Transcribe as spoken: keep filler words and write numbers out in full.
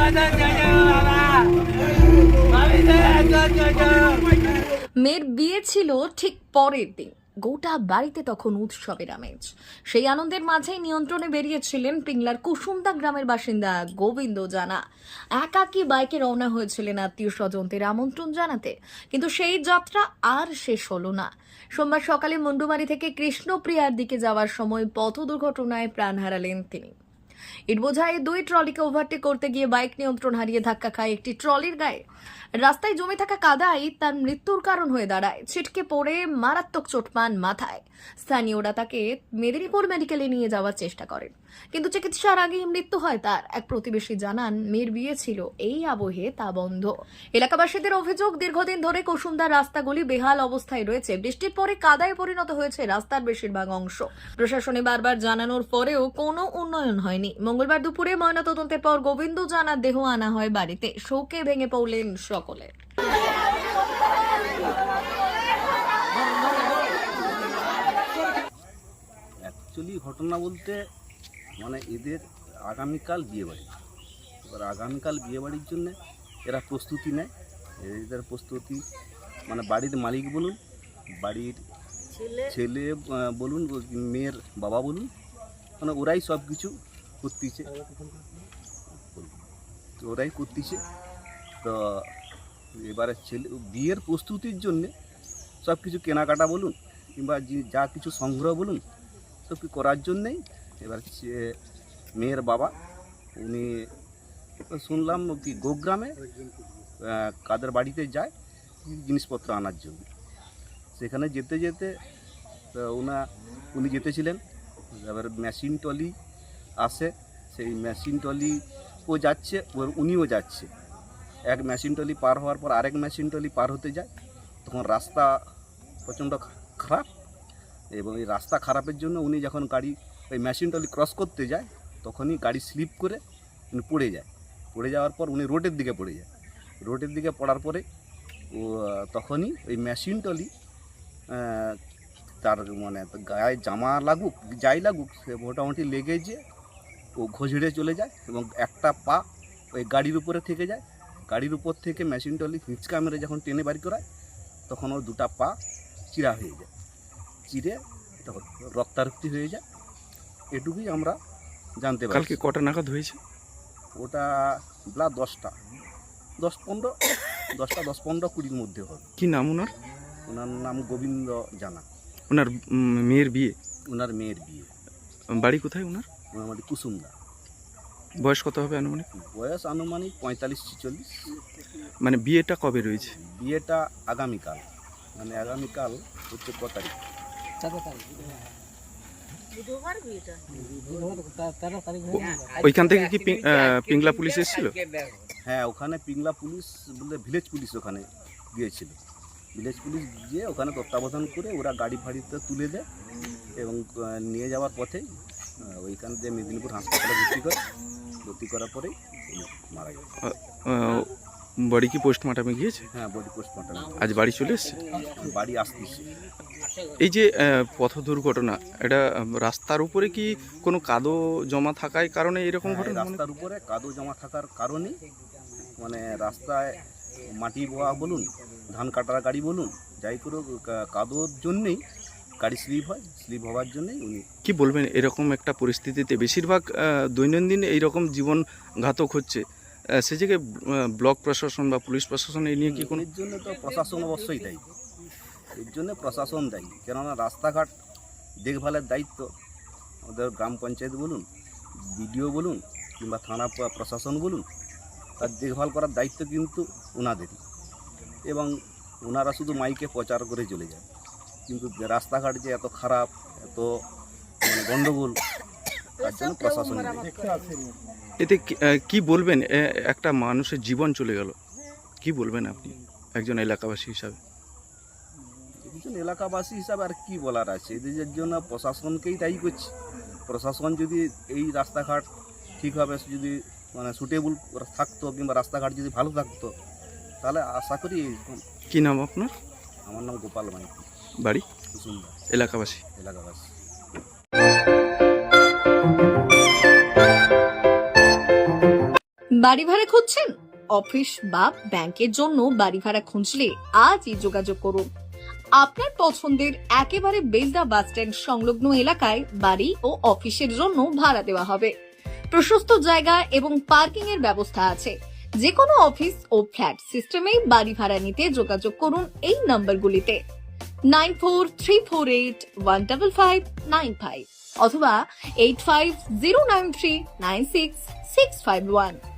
মেয়ের বিয়ে ছিল ঠিক পরের দিন। গোটা বাড়িতে তখন উৎসবের আমেজ। সেই আনন্দের মাঝেই নিয়ন্ত্রণে বেরিয়েছিলেন পিংলার কুসুমদা গ্রামের বাসিন্দা গোবিন্দ জানা। একাকী বাইকে রওনা হয়েছিলেন আত্মীয় স্বজনদের আমন্ত্রণ জানাতে, কিন্তু সেই যাত্রা আর শেষ হলো না। সোমবার সকালে মুন্ডুমারি থেকে কৃষ্ণপ্রিয়ার দিকে যাওয়ার সময় পথ দুর্ঘটনায় প্রাণ হারালেন তিনি। ইটবোঝাই দুই ট্রলিকে ওভারটেক করতে গিয়ে বাইক নিয়ন্ত্রণ হারিয়ে ধাক্কা খায় একটি ট্রলির গায়ে। রাস্তায় জমে থাকা কাদাই তার মৃত্যুর কারণ হয়ে দাঁড়ায়। ছিটকে পড়ে মারাত্মক চোট পান মাথায়। স্থানীয়রা তাকে মেদিনীপুর মেডিকেলে নিয়ে যাওয়ার চেষ্টা করেন, কিন্তু চিকিৎসার আগেই মৃত্যু হয় তার। এক প্রতিবেশী জানান, মেয়ের বিয়ে ছিল, এই আবহে তা বন্ধ। এলাকাবাসীদের অভিযোগ, দীর্ঘদিন ধরে কুসুমদার রাস্তাগুলি বেহাল অবস্থায় রয়েছে। বৃষ্টির পরে কাদায় পরিণত হয়েছে রাস্তার বেশিরভাগ অংশ। প্রশাসনে বারবার জানানোর পরেও কোনো উন্নয়ন হয়নি। মঙ্গলবার দুপুরে ময়নাতদন্তের পর গোবিন্দ জানার দেহ আনা হয় বাড়িতে। শোকে ভেঙে পড়লেন সকলে। অ্যাকচুয়ালি ঘটনা বলতে মানে এদের আগামীকাল বিয়েবাড়ি। এবার আগামীকাল বিয়েবাড়ির জন্য এরা প্রস্তুতি নেয়। এদের প্রস্তুতি মানে বাড়ির মালিক বলুন, বাড়ির ছেলে বলুন, মেয়ের বাবা বলুন, মানে ওরাই সব কিছু করতেছে, ওরাই করতেছে। তো এবারে ছেলে বিয়ের প্রস্তুতির জন্যে সব কিছু কেনাকাটা বলুন কিংবা যা কিছু সংগ্রহ বলুন সব কিছু করার জন্যেই এবার মেয়ের বাবা উনি শুনলাম কি গোগ্রামে কাদের বাড়িতে যায় জিনিসপত্র আনার জন্য। সেখানে যেতে যেতে ওনা উনি যেতেছিলেন, এবার মেশিন ট্রলি আসে, সেই মেশিন ট্রলি ও যাচ্ছে, ওর উনিও যাচ্ছে। এক মেশিন ট্রলি পার হওয়ার পর আরেক মেশিন ট্রলি পার হতে যায়, তখন রাস্তা প্রচণ্ড খারাপ, এবং এই রাস্তা খারাপের জন্য উনি যখন গাড়ি ওই মেশিন ট্রলি ক্রস করতে যায় তখনই গাড়ি স্লিপ করে উনি পড়ে যায়। পড়ে যাওয়ার পর উনি রোডের দিকে পড়ে যায়। রোডের দিকে পড়ার পরে ও তখনই ওই মেশিন ট্রলি তার মানে গায়ে জামা লাগুক যাই লাগুক সে মোটামুটি লেগে যে ও ঘষড়ে চলে যায় এবং একটা পা ওই গাড়ির উপরে থেকে যায়। গাড়ির উপর থেকে মেশিন ট্রলি হিঁচকা মেরে যখন টেনে বাড়ি করায় তখন ওর দুটা পা চিরা হয়ে যায়, চিরে তখন রক্তারক্তি হয়ে যায়। এটুকুই আমরা জানতে পারি। কালকে কটা নাগাদ হয়েছে ওটা বেলা দশটা দশ পনেরো দশটা দশ পনেরো কুড়ির মধ্যে হবে। কি নাম ওনার? ওনার নাম গোবিন্দ জানা। ওনার মেয়ের বিয়ে? ওনার মেয়ের বিয়ে। বাড়ি কোথায় ওনার? ওনার বাড়ি কুসুমদা। বয়স কত হবে আনুমানিক? বয়স আনুমানিক পঁয়তাল্লিশ ছিচল্লিশ। মানে বিয়েটা কবে রয়েছে? বিয়েটা আগামীকাল, মানে আগামীকাল হচ্ছে ক তারিখ? ওইখান থেকে কি পিংলা পুলিশ এসেছিল? হ্যাঁ, ওখানে পিংলা পুলিশ বলতে ভিলেজ পুলিশ ওখানে গিয়েছিল। ভিলেজ পুলিশ গিয়ে ওখানে তত্ত্বাবধান করে ওরা গাড়ি ফাড়িতে তুলে দেয় এবং নিয়ে যাওয়ার পথেই ওইখান দিয়ে মেদিনীপুর হাসপাতালে ভর্তি করে, ভর্তি করার পরেই মারা গেছে। বডি কি পোস্টমর্টমে গিয়েছে? হ্যাঁ, বডি পোস্টমর্টমে। আজ বাড়ি চলে এসছে? বাড়ি আসতেছে। এই যে পথ দুর্ঘটনা, এটা রাস্তার উপরে কি কোনো কাদো জমা থাকার কারণে এরকম ঘটনা? রাস্তার উপরে কাদো জমা থাকার কারণে মানে রাস্তায় মাটি বোয়া বলুন, ধান কাটার গাড়ি বলুন, যাই করে কাদোর জন্যেই গাড়ি স্লিপ হয়। স্লিপ হওয়ার জন্যই উনি। কি বলবেন এরকম একটা পরিস্থিতিতে? বেশিরভাগ দৈনন্দিন এইরকম জীবন ঘাতক হচ্ছে, সে জায়গায় ব্লক প্রশাসন বা পুলিশ প্রশাসন এই নিয়ে কি কোনো? এর জন্য তো প্রশাসন অবশ্যই দায়ী, এর জন্য প্রশাসন দায়ী। কেননা রাস্তাঘাট দেখভালের দায়িত্ব আমাদের গ্রাম পঞ্চায়েত বলুন, বিডিও বলুন কিংবা থানা প্রশাসন বলুন, তার দেখভাল করার দায়িত্ব কিন্তু ওনাদেরই। এবং ওনারা শুধু মাইকে প্রচার করে চলে যায়, কিন্তু রাস্তাঘাট যে এত খারাপ, এত মানে গণ্ডগোল, তার জন্য প্রশাসন। এতে কি বলবেন? একটা মানুষের জীবন চলে গেল, কি বলবেন আপনি একজন এলাকাবাসী হিসাবে? একজন এলাকাবাসী হিসাবে আর কি বলার আছে? এদের জন্য প্রশাসনকেই দায়ী করছি। প্রশাসন যদি এই রাস্তাঘাট ঠিকভাবে যদি মানে সুটেবল থাকতো কিংবা রাস্তাঘাট যদি ভালো থাকতো তাহলে আশা করি। কি নাম আপনার? আমার নাম গোপাল মাইতি। বাড়ি? কুসুমদা। এলাকাবাসী? এলাকাবাসী। বাড়ি ভাড়া খুঁজছেন? অফিস বা ব্যাংকের জন্য বাড়ি ভাড়া খুঁজলে আজই যোগাযোগ করুন। আপনার পছন্দের একেবারে বেলদা বাস স্ট্যান্ড সংলগ্ন এলাকায় বাড়ি ও অফিসের জন্য ভাড়া দেওয়া হবে। প্রশস্ত জায়গা এবং পার্কিং এর ব্যবস্থা আছে। যে কোনো অফিস ও ফ্ল্যাট সিস্টেমে বাড়ি ভাড়া নিতে যোগাযোগ করুন এই নম্বরগুলিতে nine four three four eight one double five nine five অথবা eight five zero nine three nine six six five one.